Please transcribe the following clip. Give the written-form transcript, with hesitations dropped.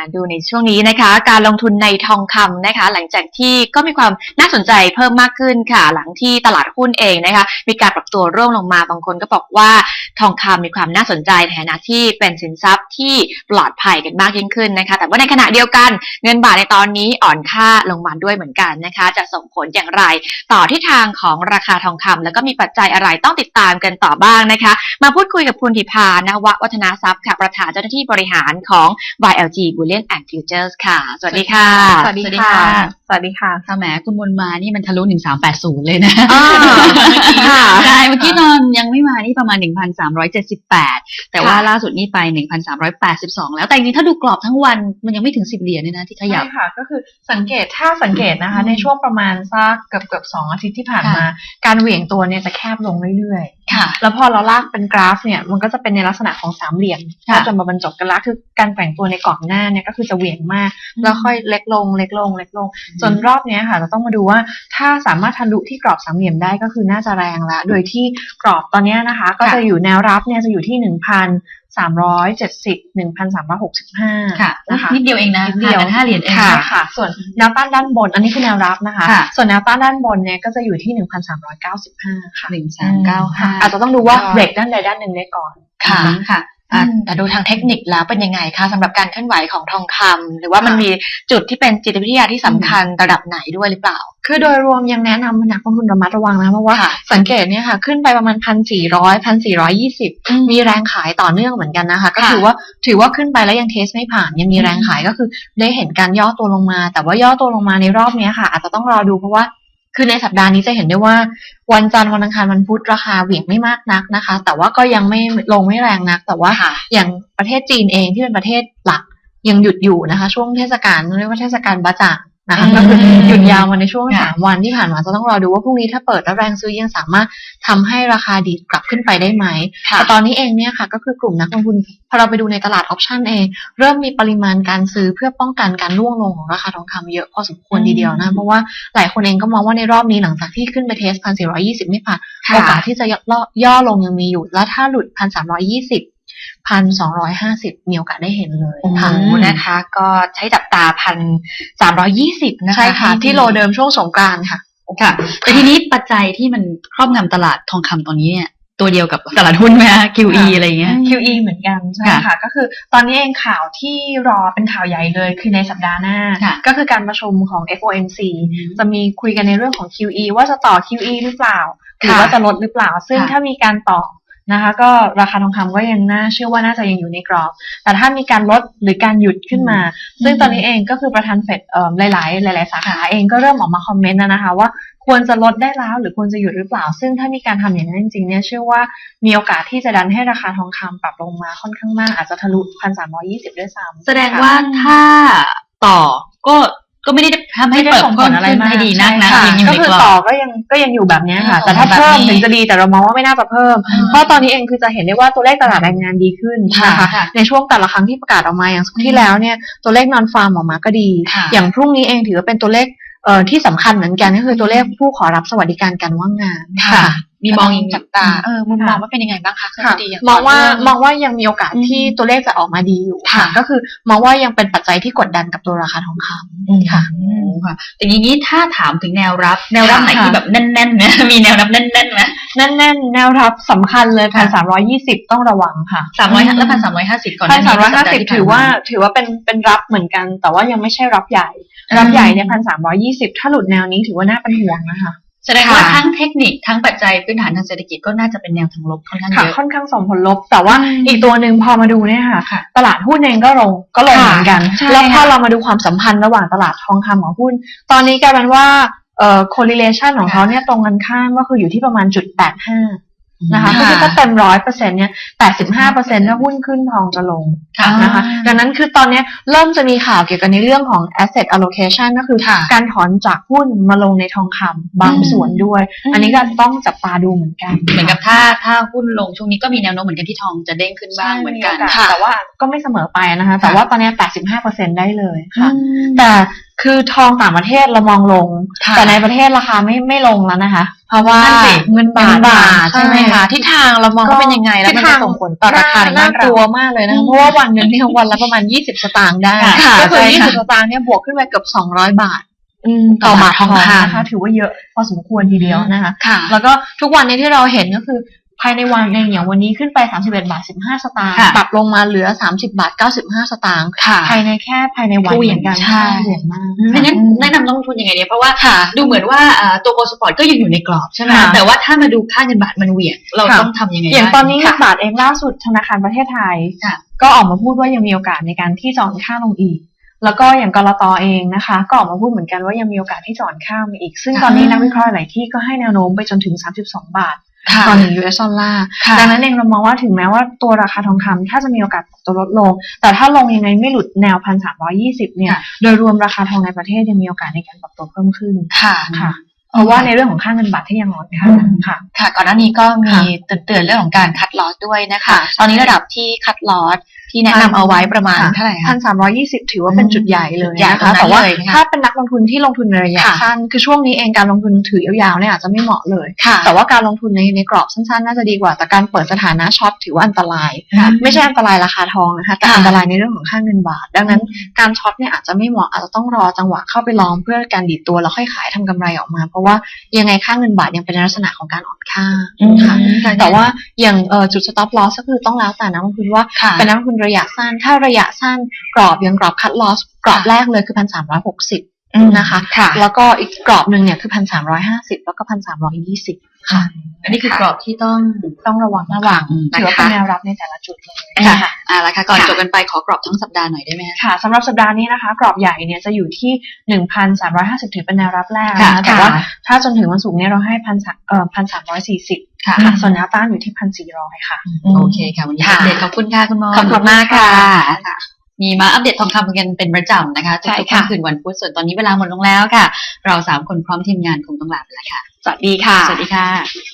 ดูในช่วงนี้นะคะการลงทุนในทองคำนะคะหลังจากที่ก็มีความน่าสนใจเพิ่มมากขึ้นค่ะหลังที่ตลาดหุ้นเองนะคะมีการปรับตัวร่วงลงมาบางคนก็บอกว่าทองคำมีความน่าสนใจในฐานะที่เป็นสินทรัพย์ที่ปลอดภัยกันมากยิ่งขึ้นนะคะแต่ว่าในขณะเดียวกันเงินบาทในตอนนี้อ่อนค่าลงมาด้วยเหมือนกันนะคะจะส่งผลอย่างไรต่อทิศทางของราคาทองคำแล้วก็มีปัจจัยอะไรต้องติดตามกันต่อบ้างนะคะมาพูดคุยกับคุณธิพานววัฒนาทรัพย์ค่ะประธานเจ้าหน้าที่บริหารของ YLG Bullion and Futures ค่ะสวัสดีค่ะสวัสดีค่ะสวัสดีค่ะค่ะแหมคุณบุญมานี่มันทะลุ1380เลยนะค่ะใช่เมื่อกี้ตอนยังไม่มานี่ประมาณ1378แต่ว่าล่าสุดนี่ไป1382แล้วแต่จริงๆถ้าดูกรอบทั้งวันมันยังไม่ถึง10เหรียญเลยนะที่ขยับใช่ค่ะก็คือสังเกตนะคะในช่วงประมาณสักเกือบ2 อาทิตย์ที่ผ่านมาการเหวี่ยงตัวเนี่ยจะแคบลงเรื่อยๆค่ะแล้วพอเราลากเป็นกราฟเนี่ยมันก็จะเป็นในลักษณะของ3เหลี่ยมก็จะมาบรรจบกันละคือการแกว่งตัวในกรอบหน้าเนี่ยก็คือจะเหวี่ยงมากแล้วค่อยเล็กลงจนรอบนี้ค่ะเราต้องมาดูว่าถ้าสามารถทะลุที่กรอบ3เหลี่ยมได้ก็คือน่าจะแรงละโดยที่กรอบตอนนี้นะคะก็จะอยู่แนวรับเนี่ยจะอยู่ที่1,370 1,365 ค่ะนะคะนิดเดียวเองนะนิดเดียว 5เหรียญเองค่ะส่วนแนวต้านด้านบนอันนี้คือแนวรับนะคะส่วนแนวต้านด้านบนเนี่ยก็จะอยู่ที่1,395ค่ะ 1395 อาจจะต้องดูว่าเบรกด้านใดด้านหนึ่งได้ก่อนค่ะแต่ดูทางเทคนิคแล้วเป็นยังไงคะสำหรับการเคลื่อนไหวของทองคำหรือว่ามันมีจุดที่เป็นจิตวิทยาที่สำคัญระดับไหนด้วยหรือเปล่าคือโดยรวมยังแนะนำนักลงทุนระมัดระวังนะเพราะว่าสังเกตเนี่ยค่ะขึ้นไปประมาณ 1,400 1,420 มีแรงขายต่อเนื่องเหมือนกันนะคะก็ถือว่าขึ้นไปแล้วยังเทสไม่ผ่านยังมีแรงขายก็คือได้เห็นการย่อตัวลงมาแต่ว่าย่อตัวลงมาในรอบนี้ค่ะอาจจะต้องรอดูเพราะว่าคือในสัปดาห์นี้จะเห็นได้ว่าวันจันทร์วันอังคารวันพุธราคาเหวี่ยงไม่มากนักนะคะแต่ว่าก็ยังไม่ลงไม่แรงนักแต่ว่าอย่างประเทศจีนเองที่เป็นประเทศหลักยังหยุดอยู่นะคะช่วงเทศกาลเรียกว่าเทศกาลบะจ่างนะคะก็คือหยุดยาวมาในช่วง3 วันที่ผ่านมาจะต้องรอดูว่าพรุ่งนี้ถ้าเปิดแล้วแรงซื้อยังสามารถทำให้ราคาดีดกลับขึ้นไปได้ไหมแต่ตอนนี้เองเนี่ยค่ะก็คือกลุ่มนักลงทุนพอเราไปดูในตลาดออปชั่นเองเริ่มมีปริมาณการซื้อเพื่อป้องกันการร่วงลงของราคาทองคำเยอะพอสมควรทีเดียวนะเพราะว่าหลายคนเองก็มองว่าในรอบนี้หลังจากที่ขึ้นไปเทส 1,420 ไม่ผ่านโอกาสที่จะย่อลงยังมีอยู่แล้วถ้าหลุด 1,320 1,250 มีโอกาสได้เห็นเลยค่ะนะคะก็ใช้จับตา 1,320 นะคะใช่ค่ะที่โลเดิมช่วงสงกรานต์ค่ะค่ะแต่ทีนี้ปัจจัยที่มันครอบงำตลาดทองคำตอนนี้เนี่ยตัวเดียวกับตลาดหุ้นไหมคะ QE อะไรเงี้ย QE เหมือนกันใช่ค่ะก็คือตอนนี้เองข่าวที่รอเป็นข่าวใหญ่เลยคือในสัปดาห์หน้าก็คือการประชุมของ FOMC จะมีคุยกันในเรื่องของ QE ว่าจะต่อ QE หรือเปล่าหรือว่าจะลดหรือเปล่าซึ่งถ้ามีการต่อนะคะก็ราคาทองคำก็ยังน่าเชื่อว่าน่าจะยังอยู่ในกรอบแต่ถ้ามีการลดหรือการหยุดขึ้นมาซึ่งตอนนี้เองก็คือประธานเฟดหลายสาขาเองก็เริ่มออกมาคอมเมนต์นะคะว่าควรจะลดได้แล้วหรือควรจะหยุดหรือเปล่าซึ่งถ้ามีการทำอย่างนั้นจริงๆเนี่ยเชื่อว่ามีโอกาสที่จะดันให้ราคาทองคำปรับลงมาค่อนข้างมากอาจจะทะลุ 1,320 ด้วยซ้ำแสดงว่าถ้าต่อก็ไม่ได้ทำให้เปิดผลอะไรให้ดีนักนะก็คือต่อก็ยังอยู่แบบนี้ค่ะแต่ถ้าเพิ่มถึงจะดีแต่เรามองว่าไม่น่าจะเพิ่มเพราะตอนนี้เองคือจะเห็นได้ว่าตัวเลขตลาดแรงงานดีขึ้นนะคะในช่วงแต่ละครั้งที่ประกาศออกมาอย่างที่แล้วเนี่ยตัวเลขนอนฟาร์มออกมาก็ดีอย่างพรุ่งนี้เองถือว่าเป็นตัวเลขที่สำคัญเหมือนกันก็คือตัวเลขผู้ขอรับสวัสดิการการว่างงานค่ะมีมองอีกจับตามุมมองว่าเป็นยังไงบ้างคะมองว่ายังมีโอกาสที่ตัวเลขจะออกมาดีอยู่ค่ะก็คือมองว่ายังเป็นปัจจัยที่กดดันกับตัวราคาทองคำค่ะแต่อย่างนี้ถ้าถามถึงแนวรับไหนที่แบบแน่นๆไหมมีแนวรับแน่นๆไหมแน่นๆแนวรับสำคัญเลย 1,320 ต้องระวังค่ะ 300แล้ว 1,350 ก่อน 1,350ถือว่าเป็นรับเหมือนกันแต่ว่ายังไม่ใช่รับใหญ่เนี่ย 1,320 ถ้าหลุดแนวนี้ถือว่าน่าเป็นห่วงนะคะแสดงว่าทั้งเทคนิคทั้งปัจจัยพื้นฐานทางเศรษฐกิจก็น่าจะเป็นแนวทางลบค่อนข้างเยอะค่อนข้างส่งผลลบแต่ว่าอีกตัวหนึ่งพอมาดูเนี่ยค่ะตลาดหุ้นเองก็ลงเหมือนกันแล้วพอเรามาดูความสัมพันธ์ระหว่างตลาดทองคำกับหุ้นตอนนี้กลายเป็นว่าcorrelation ของเขาเนี่ยตรงกันข้ามก็คืออยู่ที่ประมาณ0.85นะคะคือถ้าเต็ม 100% เนี่ย 85% ถ้าหุ้นขึ้นทองจะลงนะคะดังนั้นคือตอนนี้เริ่มจะมีข่าวเกี่ยวกับในเรื่องของ asset allocation ก็คือการถอนจากหุ้นมาลงในทองคำบางส่วนด้วยอันนี้ก็ต้องจับตาดูเหมือนกันเหมือนกับถ้าหุ้นลงช่วงนี้ก็มีแนวโน้มเหมือนกันที่ทองจะเด้งขึ้นบ้างเหมือนกันแต่ว่าก็ไม่เสมอไปนะคะแต่ว่าตอนนี้ 85% ได้เลยค่ะแต่คือทองต่างประเทศเรามองลงค่ะแต่ในประเทศราคาไม่ลงแล้วนะคะ เพราะว่านั่นสิเงินบาทใช่ไหมคะทิศทางเรามองว่าเป็นยังไงแล้วมันจะส่งผลต่อราคาในบ้าน่าน กเราลัวมากเลยนะคะเพราะว่าวันหนึงเนี่ยวันละประมาณ20 สตางค์ได้ค่ะก็คือใช่ค่ะ 20 สตางค์เนี่ยบวกขึ้นไปเกือบ200 บาทต่อบาททองคำนะคะถือว่าเยอะพอสมควรทีเดียวนะคะค่ะแล้วก็ทุกวันนี้ที่เราเห็นก็คือภายในวันเองอย่างวันนี้ขึ้นไป31 บาท 15 สตางค์ค่ะปรับลงมาเหลือ30 บาท 95 สตางค์ค่ะภายในวันเหวี่เหยมืงอนกันใช่เหวี่ยงมากไม่งั้นแนะนำต้องลงทุนยังไงดีเพราะว่าค่ะดูเหมือนว่าตัวโกลด์สปอร์ตก็ยังอยู่ในกรอบใช่ไหมค่ะแต่ว่าถ้ามาดูค่าเงินบาทมันเหวี่ยงเราค่ะต้องทำยังไงอย่างได้ตอนนี้เงิค่ะนบาทเองล่าสุดธนาคารประเทศไทยค่ะก็ออกมาพูดว่ายังมีโอกาสในการที่จะอ่อนค่าลงอีก แล้วก็อย่างกลตเองนะคะ ก็ออกมาพูดเหมือนกันว่ายังมีโอกาสที่จะอ่อนค่ามาอีก ซึ่งค่ะตอนนี้นักวิเคราะห์หลายที่ก็ให้แนวโน้มไปจนถึง32 บาทค่ะต่อ1 US ดอลลาร์ค่ะดังนั้นเองเรามองว่าถึงแม้ว่าตัวราคาทองคำถ้าจะมีโอกาสปรับตัวลดลง แต่ถ้าลงยังไงไม่หลุดแนว 1,320 เนี่ยค่ะโดยรวมราคาทองในประเทศยังมีโอกาสในการปรับตัวเพิ่มขึ้นค่ะค่ะ เพราะว่าในเรื่องของค่าเงินบาทที่ยังอ่อนค่าค่ะค่ะก่อนหน้านี้ก็มีค่ะเตือนเรื่องของการคัดลอสด้วยนะคะค่ะตอนนี้ระดับที่คัดลอสที่แนะนำเอาไว้ประมาณเท่าไหร่คะ 1,320 ถือว่าเป็นจุดใหญ่เลยจุดใหญ่นะคะตรงนั้นแต่ว่าเลยนะคะถ้าเป็นนักลงทุนที่ลงทุนในระยะค่ะสั้นคือช่วงนี้เองการลงทุนถือยาวๆเนี่ยอาจจะไม่เหมาะเลยค่ะแต่ว่าการลงทุนในกรอบสั้นๆน่าจะดีกว่าแต่การเปิดสถานะช็อตถือว่าอันตรายค่ะไม่ใช่อันตรายราคาทองนะคะแต่ค่ะอันตรายในเรื่องของค่าเงินบาท ดังนั้นการช็อตเนี่ยอาจจะไม่เหมาะอาจจะต้องรอจังหวะเข้าไปลองเพื่อการดีดตัวแล้วค่อยขายทำกำไรออกมา เพราะว่ายังไงค่าเงินบาทยังเป็นลักษณะของการอ่อนค่าค่ะ แต่ว่าอย่างจุด stop loss ก็คือต้องแล้วแต่นักลงทุนว่าค่ะเป็นนักลงทุนระยะสั้นถ้าระยะสั้นกรอบยังกรอบ cut loss กรอบแรกเลยคือ 1,360 นะคะค่ะแล้วก็อีกกรอบหนึ่งเนี่ยคือ 1,350 แล้วก็ 1,320 ค่ะอันนี้คือกรอบที่ต้องระวังระวังถือว่านะคะเป็นแนวรับในแต่ละจุดเลยค่ะละค่ะก่อนค่ะจบกันไปขอกรอบทั้งสัปดาห์หน่อยได้ไหมคะค่ะสำหรับสัปดาห์นี้นะคะ กรอบใหญ่เนี่ยจะอยู่ที่ 1,350 ถือเป็นแนวรับแรกค่ะนะคะแต่ว่าถ้าจนถึงวันศุกร์เนี่ยเราให้1,340 ค่ะส่วนแนวต้านอยู่ที่ 1,400 ค่ะโอเคค่ะวันนี้ค่ะอัปเดตขอบคุณค่ะคุณหมอขอบคุณมากค่ะมีมาอัปเดตทองคำกันเป็นประจำนะคะใช่ทุกๆค่ะค่ำคืนวันพุธส่วนตอนนี้เวลาหมดลงแล้วค่ะ เรา3 คนพร้อมทีมงานคงต้องลาไปแล้วค่ะสวัสดีค่ะสวัสดีค่ะ